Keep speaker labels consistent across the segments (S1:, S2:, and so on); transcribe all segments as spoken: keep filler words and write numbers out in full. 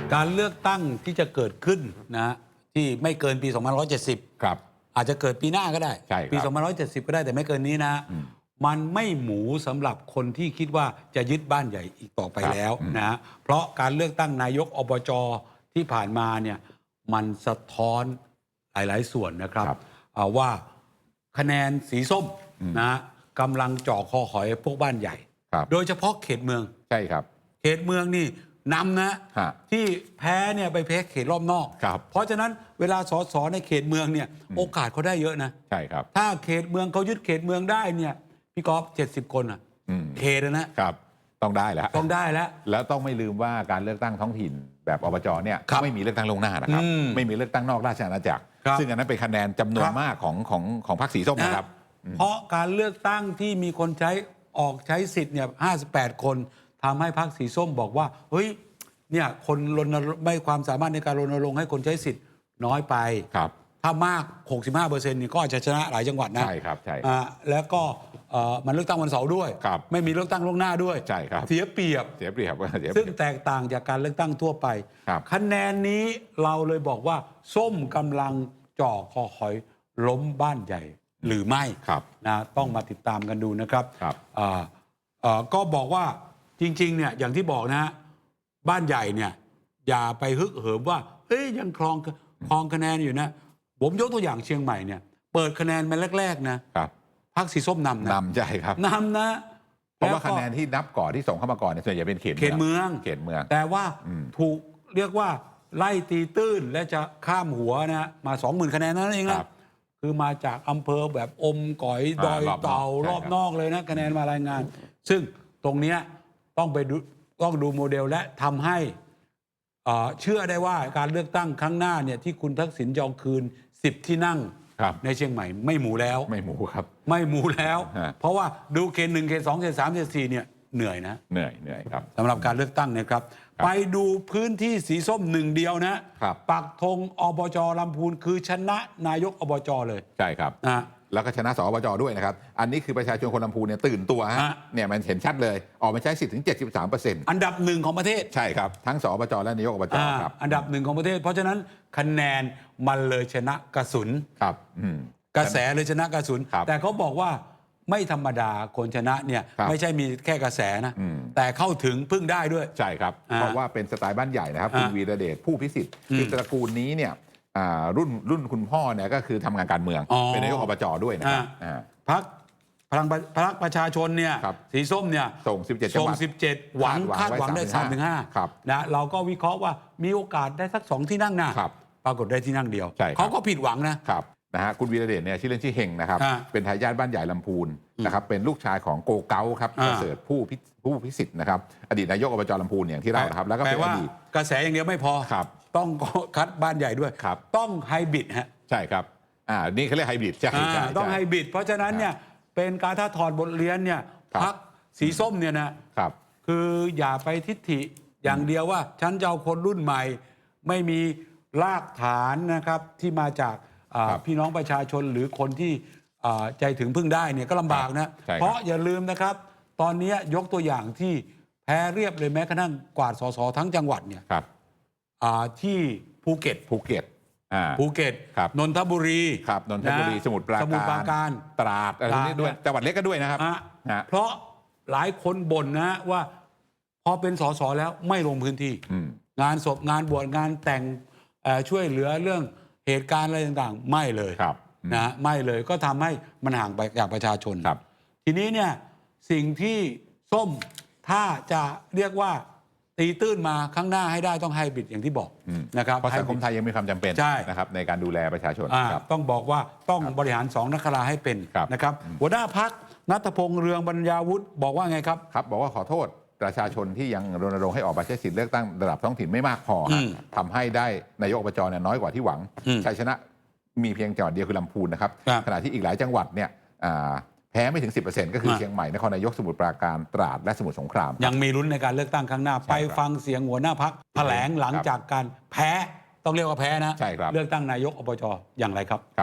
S1: การเลือกตั้งที่จะเกิดขึ้นนะที่ไม่เกินปี สองพันห้าร้อยเจ็ดสิบ
S2: ครับ
S1: อาจจะเกิดปีหน้าก็ได้
S2: ใช่ปี
S1: สองพันห้าร้อยเจ็ดสิบ ก็ได้แต่ไม่เกินนี้นะมันไม่หมูสำหรับคนที่คิดว่าจะยึดบ้านใหญ่อีกต่อไปแล้วนะเพราะการเลือกตั้งนายกอบจที่ผ่านมาเนี่ยมันสะท้อนหลายๆส่วนนะครับว่าคะแนนสีส้มนะกำลังจ่อคอหอยพวกบ้านใหญ่โดยเฉพาะเขตเมือง
S2: ใช่ครับ
S1: เขตเมืองนี่นำนะที่แพ้เนี่ยไปแพ้เขตรอบนอกเพราะฉะนั้นเวลาสสในเขตเมืองเนี่ยโอกาสเขาได้เยอะนะ
S2: ใช่ครับ
S1: ถ้าเขตเมืองเขายึดเขตเมืองได้เนี่ยพี่กอล์ฟเจ็ดสิบคนอ่ะเขตนะครับ
S2: ต้องได้แล้ว
S1: ต้องได้แล้ว
S2: แล้วต้องไม่ลืมว่าการเลือกตั้งท้องถิ่นแบบอบจเนี่ยไม่มีเลือกตั้งลงหน้านะครับไม่มีเลือกตั้งนอกราชอาณาจักรซึ่งอันนั้นเป็นคะแนนจำนวนมากของของของพรรคสีส้มนะครับ
S1: เพราะการเลือกตั้งที่มีคนใช้ออกใช้สิทธิ์เนี่ยห้าสิบแปดคนทำให้พรรคสีส้มบอกว่าเฮ้ยเนี่ยคนรณรงค์ไม่ความสามารถในการรณรงค์ให้คนใช้สิทธิ์น้อยไป
S2: ครับ
S1: ถ้ามาก หกสิบห้าเปอร์เซ็นต์ นี่ก็อาจจะชนะหลายจังหวัดนะ
S2: ใช่ครับใช่
S1: แล้วก็มันเลือกตั้งวันเสาร์ด้วยไม่มีเลือกตั้งล่วงหน้าด้วย
S2: ใช่ครับ
S1: เสียเปรียบ
S2: เสียเปรียบ
S1: ซึ่งแตกต่างจากการเลือกตั้งทั่วไปคะแนนนี้เราเลยบอกว่าส้มกำลังจ่อคอหอยล้มบ้านใหญ่หรือไม่นะต้องมาติดตามกันดูนะครับก็บอกว่าจริงๆเนี่ยอย่างที่บอกนะบ้านใหญ่เนี่ยอย่าไปฮึกเหิมว่าเอ้ยยังครองครองคะแนนอยู่นะผมยกตัวอย่างเชียงใหม่เนี่ยเปิดคะแนนมาแรกๆนะพรรคสีส้มนำนะ
S2: นำใช่ครับ
S1: นำนะ
S2: เพราะว่าคะแนนที่นับก่อนที่ส่งเข้ามาก่อนเนี่ยส่วนใหญ่เป็นเขต
S1: เขตเมือง
S2: เขตเมือง
S1: แต่ว่าถูกเรียกว่าไล่ตีตื้นและจะข้ามหัวนะมาสองหมื่นคะแนนนั่นเองนะคือมาจากอำเภอแบบอมก๋อยดอยเต่ารอบนอกเลยนะคะแนนมารายงานซึ่งตรงนี้ต้องไปดูต้องดูโมเดลและทำให้เชื่อได้ว่าการเลือกตั้งครั้งหน้าเนี่ยที่คุณทักษิณจะเอาคืนสิบที่นั่งในเชียงใหม่ไม่หมูแล้ว
S2: ไม่หมูครับ
S1: ไม่หมูแล้ว เพราะว่าดูเขตหนึ่งเขตสองเขตสามเขตสี่เนี่ยเหนื่อยนะ
S2: เหนื่อยเหนื่อยครับ
S1: สำหรับการเลือกตั้งนะครับไปดูพื้นที่สีส้มหนึ่งเดียวนะปักธงอบจลำพูนคือชนะนายกอบจเลย
S2: ใช่ครับแล้วก็ชนะสอบจด้วยนะครับอันนี้คือประชาชนคนลำพูนเนี่ยตื่นตัวฮะเนี่ยมันเห็นชัดเลยออกมาใช้สิทธิ์ถึง เจ็ดสิบสามเปอร์เซ็นต์
S1: อันดับหนึ่งของประเทศ
S2: ใช่ครับทั้งสอบจและนายกอบจครับ
S1: อันดับหนึ่งของประเทศเพราะฉะนั้นคะแนนมันเลยชนะกระสุน
S2: ครับ
S1: กระแสเลยชนะกระสุนแต่เขาบอกว่าไม่ธรรมดาคนชนะเนี่ยไม่ใช่มีแค่กระแสนะแต่เข้าถึงพึ่งได้ด้วย
S2: ใช่ครับเพราะว่าเป็นสไตล์บ้านใหญ่นะครับคุณวีระเดชผู้พิสิทธิ์คือตระกูลนี้เนี่ยรุ่นรุ่นคุณพ่อเนี่ยก็คือทำงานการเมืองเป็นนายกอบจด้วยนะครับ
S1: พรรคพลังพรรคประชาชนเนี่ยสีส้มเนี่ย
S2: ส่งสิบเจ็ดจังหวัด
S1: สิบเจ็ดหวังคาดหวังได้สามถึงห้านะเราก็วิเคราะห์ว่ามีโอกาสได้สักสองที่นั่งนะปรากฏได้ที่นั่งเดียวเขาก็ผิดหวังนะครับ
S2: นะฮะคุณวีระเดชเนี่ยชื่อเล่นชื่อเฮงนะครับเป็นทายาทบ้านใหญ่ลำพูนนะครับเป็นลูกชายของโกเก้าครับประเสริฐผู้ผู้พิสิทธิ์นะครับอดีตนายกอบจลำพูนอย่างที่เรานะครับแล้วก็เป็นอดีต
S1: กระแสอย่างเดียวไม่พอต้องคัดบ้านใหญ่ด้วยต้องไฮบริดฮะ
S2: ใช่ครับอ่านี่เขาเรียกไฮบริดใช่
S1: ต้องไฮบริดเพราะฉะนั้นเนี่ยเป็นการถ้าถอดบทเรียนเนี่ยพรรคสีส้มเนี่ยนะครับคืออย่าไปทิฐิอย่างเดียวว่าฉันจะเอาคนรุ่นใหม่ไม่มีรากฐานนะครับที่มาจากพี่น้องประชาชนหรือคนที่ใจถึงพึ่งได้เนี่ยก็ลำบากนะเพราะอย่าลืมนะครับตอนนี้ยกตัวอย่างที่แพ้เรียบเลยแม้กระทั่งกวาดสสทั้งจังหวัดเนี่ยที่ภูเก็ต
S2: ภูเก็ต
S1: ภูเก็ตนนทบุรี
S2: ครับนนทบุรีสมุทรปราการตราดอะไรนี้ด้วยจังหวัดเล็กก็ด้วยนะครับ
S1: เพราะหลายคนบ่นนะว่าพอเป็นสสแล้วไม่ลงพื้นที่งานศพงานบวชงานแต่งช่วยเหลือเรื่องเหตุการณ์อะไรต่างๆไม่เลยนะไม่เลยก็ทำให้มันห่างไปจากประชาชนทีนี้เนี่ยสิ่งที่ส้มถ้าจะเรียกว่าตีตื้นมาข้างหน้าให้ได้ต้องไฮบริดอย่างที่บอกนะครับ
S2: เพราะสังคมไทยยังมีความจำเป็นนะครับในการดูแลประชาชน
S1: ต้องบอกว่าต้องบริหารสองนักราให้เป็นนะครับหัวหน้าพรรคณัฐพงษ์เรืองบรรยาวุฒิบอกว่าไงครับ
S2: ครับบอกว่าขอโทษประชาชนที่ยังรณรงค์ให้ออกมาใช้สิทธิเลือกตั้งระดับท้องถิ่นไม่มากพอทำให้ได้นายกอบจเนี่ยน้อยกว่าที่หวังชัยชนะมีเพียงจังหวัดเดียวคือลำพูนนะครับขณะที่อีกหลายจังหวัดเนี่ยแพ้ไม่ถึง สิบเปอร์เซ็นต์ ก็คือเชียงใหม่นครนายกสมุทรปราการตราดและสมุทรสงคราม
S1: ยังมีลุ้นในการเลือกตั้งครั้งหน้าไปฟังเสียงหัวหน้าพรรคแถลงหลังจากการแพ้ต้องเรียกว่าแพ้นะเลือกตั้งนายกอบจอย่างไรครับ
S2: ครับ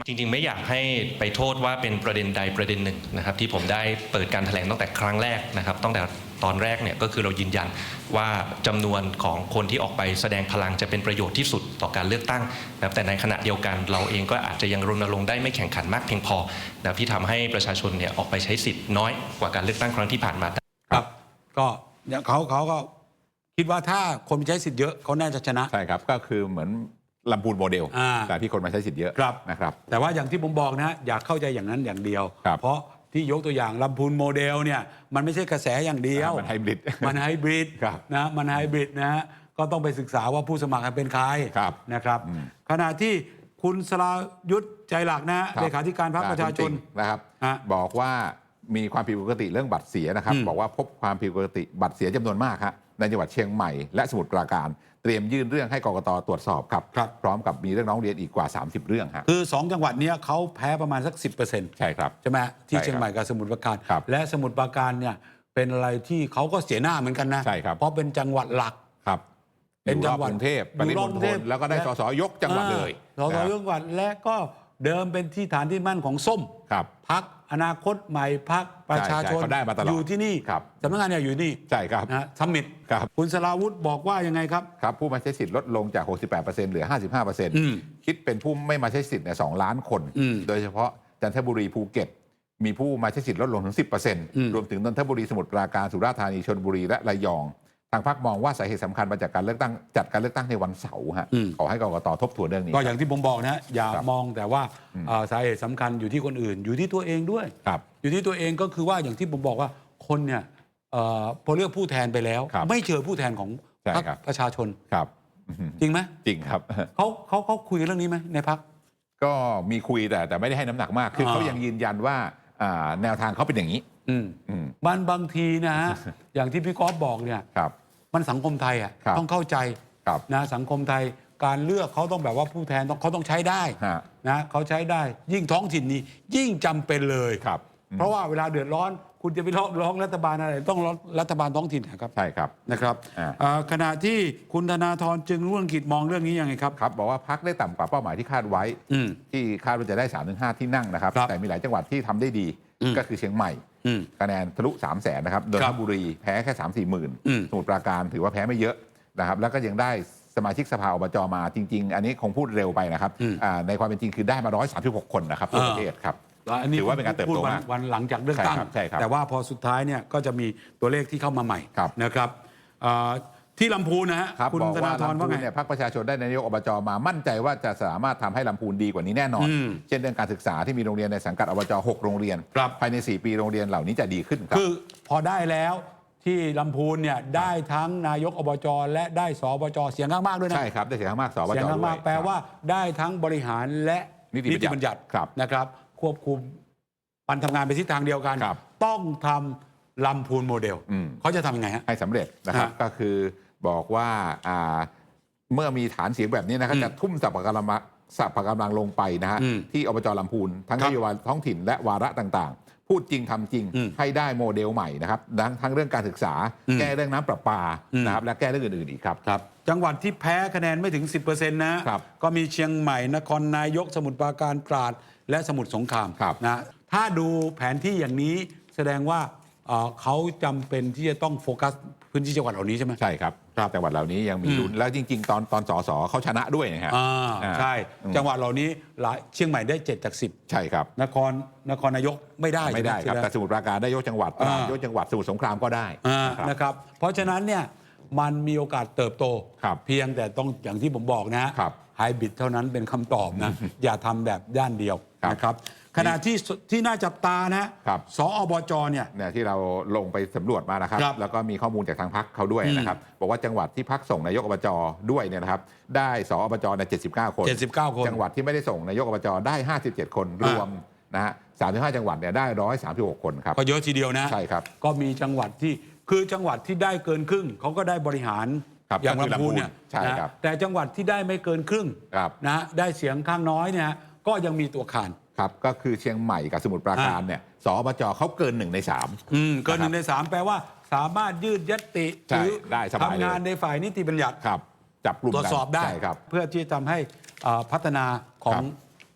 S3: จริงๆไม่อยากให้ไปโทษว่าเป็นประเด็นใดประเด็นหนึ่งนะครับที่ผมได้เปิดการแถลงตั้งแต่ครั้งแรกนะครับตั้งแต่ตอนแรกเนี่ยก็คือเรายืนยันว่าจำนวนของคนที่ออกไปแสดงพลังจะเป็นประโยชน์ที่สุดต่อการเลือกตั้งนะครับแต่ในขณะเดียวกันเราเองก็อาจจะยังรณรงค์ได้ไม่แข่งขันมากเพียงพอนะครับที่ทำให้ประชาชนเนี่ยออกไปใช้สิทธิ์น้อยกว่าการเลือกตั้งครั้งที่ผ่านมา
S1: ครับก็เขาเขาก็คิดว่าถ้าคนใช้สิทธิ์เยอะเขาน่าจะชนะ
S2: ใช่ครับก็คือเหมือนลำพูนโมเดลแต่ที่คนมาใช้สิทธิ์เยอะนะครับ
S1: แต่ว่าอย่างที่ผมบอกนะอยากเข้าใจอย่างนั้นอย่างเดียวเพราะที่ยกตัวอย่างลำพูนโมเดลเนี่ยมันไม่ใช่กระแสอย่างเดียว
S2: มันไฮบริด
S1: มันไฮบริดนะมันไฮบริดนะฮะก็ต้องไปศึกษาว่าผู้สมัครเป็นใครนะครับขณะที่คุณสรายุทธใจหลักนะเลขาธิการพรรคประชาชน
S2: นะครับบอกว่ามีความผิดปกติเรื่องบัตรเสียนะครับบอกว่าพบความผิดปกติบัตรเสียจำนวนมากครับในจังหวัดเชียงใหม่และสมุทรปราการเตรียมยื่นเรื่องให้กกตตรวจสอบครับพร้อมกับมีเรื่องร้องเรียนอีกกว่าสามสิบเรื่องครับ
S1: คือสองจังหวัดนี้เขาแพ้ประมาณสัก สิบเปอร์เซ็นต์
S2: ใช่ครับ
S1: ใช่ไหมที่เชียงใหม่กับสมุทรปราการและสมุทรปราการเนี่ยเป็นอะไรที่เขาก็เสียหน้าเหมือนกันนะเพราะเป็นจังหวัดหลัก
S2: ครับเป็นจังหวัดกรุงเทพปริมณฑลแล้วก็ได้สสยกจังหวัดเลย
S1: สสยกจังหวัดและก็เดิมเป็นที่ฐานที่มั่นของส้มพรรคอนาคตใหม่พรรคประชาชนอยู่ที่นี่สำนักงานเนี่ยอยู่นี่
S2: ใช่ครับ
S1: นะซัมมิตคุณสราวุธบอกว่ายังไงครับ
S2: ครับผู้มาใช้สิทธิ์ลดลงจาก หกสิบแปดเปอร์เซ็นต์ เหลือ ห้าสิบห้าเปอร์เซ็นต์ คิดเป็นผู้ไม่มาใช้สิทธิ์เนี่ยสองล้านคน โดยเฉพาะจันทบุรีภูเก็ตมีผู้มาใช้สิทธิ์ลดลงถึง สิบเปอร์เซ็นต์ รวมถึงนนทบุรีสมุทรปราการสุราษฎร์ธานีชลบุรีและระยองทางพรรคมองว่าสาเหตุสำคัญมาจากการเลือกตั้งจัดการเลือกตั้งในวันเสาร์ฮะขอให้กกตทบทวนเรื่องนี้
S1: ก็อย่างที่ผมบอกนะอย่ามองแต่ว่าสาเหตุสำคัญอยู่ที่คนอื่นอยู่ที่ตัวเองด้วยอยู่ที่ตัวเองก็คือว่าอย่างที่ผมบอกว่าคนเนี่ยพอเลือกผู้แทนไปแล้วไม่เจอผู้แทนของพรรคประชาชน
S2: ครับ
S1: จริงไหม
S2: จริงครับ
S1: เขาเขาเขาคุยเรื่องนี้ไหมในพรรค
S2: ก็มีคุยแต่แต่ไม่ได้ให้น้ำหนักมากคือเขายังยืนยันว่าแนวทางเขาเป็นอย่างนี้
S1: บางบางทีนะฮะอย่างที่พี่ก๊อฟบอกเนี่ยมันสังคมไทยอ่ะต้องเข้าใจนะสังคมไทยการเลือกเขาต้องแบบว่าผู้แทนต้องเขาต้องใช้ได้นะเขาใช้ได้ยิ่งท้องถิ่นนี้ยิ่งจำเป็นเลยเพราะว่าเวลาเดือดร้อนคุณจะไปร้องร้องรัฐบาลอะไรต้องร้องรัฐบาลท้องถิ่นนะครับ
S2: ใช่ครับ
S1: นะครับขณะที่คุณธนาธรจึงรุ่งเรืองกิจมองเรื่องนี้ยังไงครับ
S2: ครับบอกว่าพรรคได้ต่ำกว่าเป้าหมายที่คาดไว้ที่คาดว่าจะได้ สามถึงห้า ที่นั่งนะครับแต่มีหลายจังหวัดที่ทำได้ดีก็คือเชียงใหม่คะแนนทะลุสามแสนนะครับนนทบุรีแพ้แค่สามสี่หมื่นสมุทรปราการถือว่าแพ้ไม่เยอะนะครับแล้วก็ยังได้สมาชิกสภาอบจมาจริงๆอันนี้คงพูดเร็วไปนะครับในความเป็นจริงคือได้มาหนึ่งร้อยสามสิบหกคนนะครับทั่วประเทศครับถือว่าเป็นการเติบโตมาก
S1: วันหลังจากเลือกตั้งแต่ว่าพอสุดท้ายเนี่ยก็จะมีตัวเลขที่เข้ามาใหม่นะครับที่ลำพูนนะฮะ
S2: คุณธนาธรว่าไงเนี่ยพรรคประชาชนได้นายกอบจมามั่นใจว่าจะสามารถทำให้ลำพูนดีกว่านี้แน่นอนเช่นเรื่องการศึกษาที่มีโรงเรียนในสังกัดอบจหกโรงเรียนภายในสี่ปีโรงเรียนเหล่านี้จะดีขึ้นครับ
S1: คือพอได้แล้วที่ลำพูนเนี่ยได้ทั้งนายกอบจและได้สอบจเสียงข้างมากด้วยนะ
S2: ใช่ครับได้เสียงข้างมากสอบจ
S1: เสียงข้างมากแปลว่าได้ทั้งบริหารและนิติบัญญัตินะครับควบคุมปันทำงานไปทิศทางเดียวกันต้องทำลำพูนโมเดลเขาจะทำยังไงฮะ
S2: ให้สำเร็จนะครับก็คือบอกว่าเมื่อมีฐานเสียงแบบนี้นะครับจะทุ่มสรรพกำลังสรรพกำลังลงไปนะฮะที่อบจลำพูนทั้งนโยบายท้องถิ่นและวาระต่างๆพูดจริงทำจริงให้ได้โมเดลใหม่นะครับทั้งเรื่องการศึกษาแก้เรื่องน้ำประปานะครับและแก้เรื่องอื่นๆอีกครับ
S1: จังหวัดที่แพ้คะแนนไม่ถึง สิบเปอร์เซ็นต์ นะก็มีเชียงใหม่นครนายกสมุทรปราการตราดและสมุทรสงครามนะถ้าดูแผนที่อย่างนี้แสดงว่าเขาจำเป็นที่จะต้องโฟกัสพื้นที่จังหวัดเหล่านี้ใช่ไหม
S2: ใช่ครับจังหวัดเหล่านี้ยังมีลุ้นแล้วจริงๆ ตอนตอนสสเขาชนะด้วยนะครับ
S1: ใช่จังหวัดเหล่านี้เชียงใหม่ได้เจ็ดจากสิบ
S2: ใช่ครับ
S1: นครนครนายกไม่ได้
S2: ไม่ได้ครับแต่สมุทรปราการได้ยกจังหวัดตราดยกจังหวัดสมุทรสงครามก็ได้
S1: นะครับเพราะฉะนั้นเนี่ยมันมีโอกาสเติบโตเพียงแต่ต้องอย่างที่ผมบอกนะไฮบริดเท่านั้นเป็นคำตอบนะอย่าทำแบบด้านเดียวนะครับขณะที่ที่น่าจับตานะสอบจเนี่ย
S2: ที่เราลงไปสำรวจมานะครับแล้วก็มีข้อมูลจากทางพรรคเขาด้วยนะครับบอกว่าจังหวัดที่พรรคส่งนายกอบจด้วยเนี่ยนะครับได้สอบจในเจ็ดสิบเก้าคนจังหวัดที่ไม่ได้ส่งนายกอบจได้ห้าสิบเจ็ดคนรวมนะฮะสามสิบห้าจังหวัดเนี่ยได้หนึ่งร้อยสามสิบหกคนครับ
S1: ก็เยอะทีเดียวนะ
S2: ใช่ครับ
S1: ก็มีจังหวัดที่คือจังหวัดที่ได้เกินครึ่งเขาก็ได้บริหารอย่างลำพูนเนี่ยนะแต่จังหวัดที่ได้ไม่เกินครึ่งนะได้เสียงข้างน้อยเนี่ยก็ยังมีตัวขาน
S2: ครับก็คือเชียงใหม่กับสมุทรปราการเนี่ยสอบจเขาเกินหนึ่งในสาม
S1: เกินหนึ่งในสามแปลว่าสามารถยืดญัตติหรือทำงานในฝ่ายนิติบัญญัติ
S2: ครับจับกลุ่ม
S1: ตรวจสอบได้เพื่อที่จะทำให้พัฒนาของพื้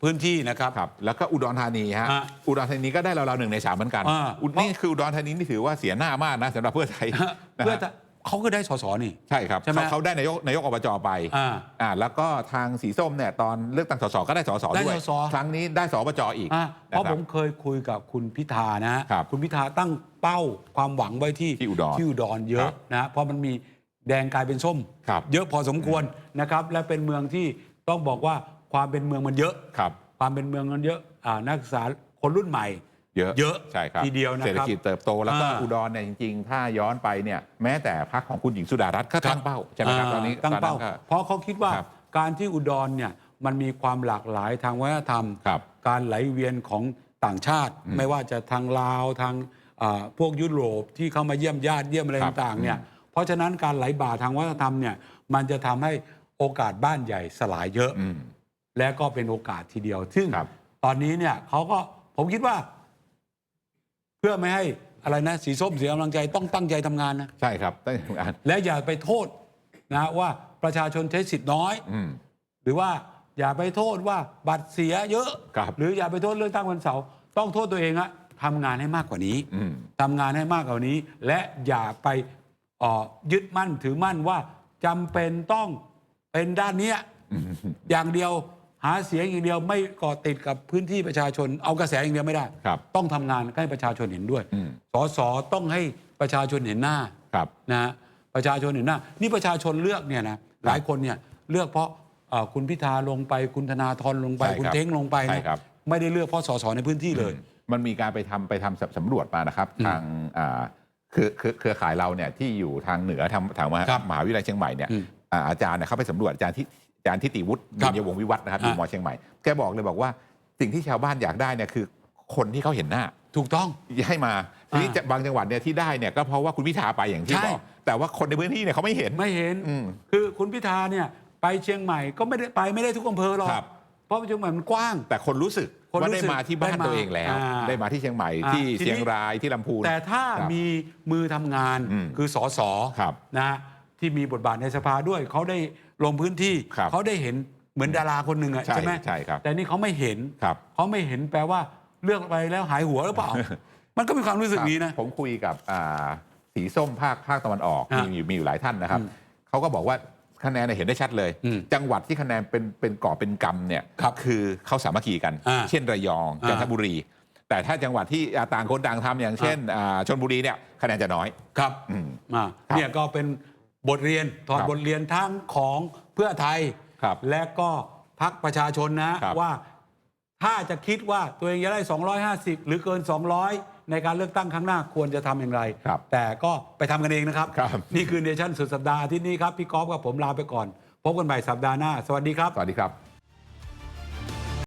S1: พื้นที่นะครับ
S2: ครับแล้วก็อุดรธานีฮะ
S1: อ่ะ
S2: อุดรธานีก็ได้ราวๆหนึ่งในสามเหมือนกัน
S1: อ่า
S2: อุดนี่คืออุดรธานีนี่ถือว่าเสียหน้ามากนะสำหรับเพื่อไทยนะ
S1: เพื่อ
S2: ฮะ
S1: จะเขาก็ได้สสนี่
S2: ใช่ครับ
S1: ใช่ไหม
S2: เขาเขาได้นายกนายกอบจไป
S1: อ่า
S2: อ่าแล้วก็ทางสีส้มเนี่ยตอนเลือกตั้งสสก็ได้สส
S1: ได้
S2: ด้วย
S1: สส
S2: ครั้งนี้ได้สอบจอีก
S1: อ่ะเพราะ
S2: นะค
S1: ผ
S2: บ
S1: มเคยคุยกับคุณพิธานะฮะ
S2: ครับ
S1: คุณพิธาตั้งเป้าความหวังไว้ที่
S2: ที่อุดร
S1: ที่อุดรเย
S2: ครั
S1: อะ
S2: บ
S1: นะฮะเพราะมันมีแดงกลายเป็นส้ม
S2: ครับ
S1: เยอะพอสมควรนะครับ และเป็นเมืองที่ต้องบอกว่าความเป็นเมืองมันเยอะ
S2: ครับ
S1: ความเป็นเมืองมันเยอะอ่านักศึกษาคนรุ่นใหม่
S2: เยอะ
S1: เยอะ
S2: ใช่ครับ
S1: ทีเดียวนะครับ
S2: เศรษฐกิจเติบโตแล้วก็
S1: อ่า
S2: อุดรเนี่ยจริงๆ ถ้าย้อนไปเนี่ยแม้แต่พรรคของคุณหญิงสุดารัตน์ก็ตั้งเป้าใช่ไหมครับตอนนี้
S1: ตั้งเป้า
S2: ตอนนั้นก็
S1: เพราะเขาคิดว่า
S2: ครับ
S1: การที่อุดรเนี่ยมันมีความหลากหลายทางวัฒนธรรม
S2: ครับ
S1: การไหลเวียนของต่างชาติ
S2: อืม
S1: ไม่ว่าจะทางลาวทางอ่าพวกยุโรปที่เข้ามาเยี่ยมญาติเยี่ยมอะไร
S2: ครับ
S1: ต่างๆเนี่ย
S2: อืม
S1: เพราะฉะนั้นการไหลบ่าทางวัฒนธรรมเนี่ยมันจะทำให้โอกาสบ้านใหญ่สลายเยอะ
S2: อืม
S1: และก็เป็นโอกาสทีเดียว ซึ่ง
S2: ครับ
S1: ตอนนี้เนี่ยเขาก็ผมคิดว่า เพื่อไม่ให้อะไรนะสีส้มเสียกำลังใจต้องตั้งใจทำงานนะ
S2: ใช่ครับตั้งแต่ทำงาน
S1: และอย่าไปโทษนะว่าประชาชนใช้สิทธิ์น้อย
S2: อืม
S1: หรือว่าอย่าไปโทษว่าบัตรเสียเยอะ
S2: ครับ
S1: หรืออย่าไปโทษเรื่องตั้งวันเสาร์ต้องโทษตัวเองอะทำงานให้มากกว่านี้
S2: อืม
S1: ทำงานให้มากกว่านี้ และอย่าไปเอ่อยึดมั่นถือมั่นว่าจำเป็นต้องเป็นด้านเนี้ยอย่างเดียวหาเสียงอย่างเดียวไม่เกาะติดกับพื้นที่ประชาชน เอากระแสอย่างเดียวไม่ได้
S2: ครับ
S1: ต้องทำงานให้ประชาชนเห็นด้วย
S2: อืม
S1: สสต้องให้ประชาชนเห็นหน้า
S2: ครับ
S1: นะฮะประชาชนเห็นหน้า นี่ประชาชนเลือกเนี่ยนะหลายคนเนี่ยเลือกเพราะเอ่อคุณพิธาลงไปคุณธนาธรลงไป
S2: ใช่ครับ
S1: คุณเท้งลงไป
S2: ใช่
S1: นะครับ ไม่ได้เลือกเพราะสสในพื้นที่เลย
S2: มันมีการไปทำไปทำสำรวจมานะครับทางอ่าคือคือเครือข่ายเราเนี่ยที่อยู่ทางเหนือทางทางมหา
S1: ครับ
S2: มหาวิทยาลัยเชียงใหม่เนี่ย
S1: อืม
S2: อ่าอาจารย์เนี่ยเขาไปสำรวจอาจารย์ที่อาจารย์ทิติวุฒิ
S1: ครับ
S2: บุญยวงศ์วิวัฒน์นะครับอยู่
S1: อ่าม
S2: มเชียงใหม่แกบอกเลยบอกว่าสิ่งที่ชาวบ้านอยากได้เนี่ยคือคนที่เขาเห็นหน้า
S1: ถูกต้อง
S2: ให้มาทีนี้
S1: อ่า
S2: จะบางจังหวัดเนี่ยที่ได้เนี่ยก็เพราะว่าคุณพิธาไปอย่างที่
S1: ใช่
S2: บอกแต่ว่าคนในพื้นที่เนี่ยเขาไม่เห็น
S1: ไม่เห็น
S2: อืม
S1: คือคุณพิธาเนี่ยไปเชียงใหม่ก็ไม่ได้ไปไม่ได้ทุกอำเภอหรอก
S2: ครับ
S1: เพราะเชียงใหม่มันกว้าง
S2: แต่คนรู้สึก
S1: คนรู้
S2: ว่าได้
S1: สึก
S2: มาที่บ้าน
S1: ได้มา
S2: ตัวเองแล้ว
S1: อ่า
S2: ได้มาที่เชียงใหม่
S1: อ่า
S2: ที่
S1: ทีนี้
S2: เชียงรายที่ลำพูน
S1: แต่ถ้า
S2: ครับ
S1: มีมือทำงาน
S2: อืม
S1: คือสส
S2: ครับ
S1: นะฮะที่มีบทบาทในสภาด้วยเขาได้ลงพื้นที่
S2: ครับ
S1: เขาได้เห็นเหมือนดาราคนหนึ่งอะ
S2: ใช่
S1: ใช่ไหม
S2: ใช่ครับ
S1: แต่นี่เขาไม่เห็น
S2: ครับ
S1: เขาไม่เห็นแปลว่าเลือกไปแล้วหายหัวหรือเปล่า มันก็มีความรู้สึกนี้นะ
S2: ผมคุยกับอ่าสีส้มภาคภาคตะวันออก
S1: อ่ะ
S2: มีอยู่มีอยู่หลายท่านนะครับ
S1: อืม
S2: เขาก็บอกว่าคะแนนเนี่ยเห็นได้ชัดเลย
S1: อืม
S2: จังหวัดที่คะแนนเป็นเป็นก่อเป็นกำเนี่ย
S1: ครับ
S2: คือเขาสามัคคีกัน
S1: อ่า
S2: เช่นระยอง
S1: อ่า
S2: จันทบุรี แต่ถ้าจังหวัดที่อ่าต่างคนต่างทำอย่างเช่นอ่าชนบุรีเนี่ยคะแนนจะน้อย
S1: ครับ
S2: อืม
S1: อ่า
S2: ครับ
S1: เนี่ยก็เป็นบทเรียนถอด
S2: ครับ
S1: บทเรียนทั้งของเพื่อไทย
S2: ครับ
S1: และก็พักประชาชนนะครับ ว่าถ้าจะคิดว่าตัวเองจะได้ สองร้อยห้าสิบ หรือเกิน สองร้อย ในการเลือกตั้งครั้งหน้าควรจะทำอย่างไร
S2: ครับ
S1: แต่ก็ไปทำกันเองนะครับ
S2: ครับ
S1: นี่คือเนชั่นสุดสัปดาห์อาที่นี้ครับ พี่กอล์ฟกับผมลาไปก่อน พบกันใหม่สัปดาห์หน้า สวัสดีครับ
S2: สวัสดีครับ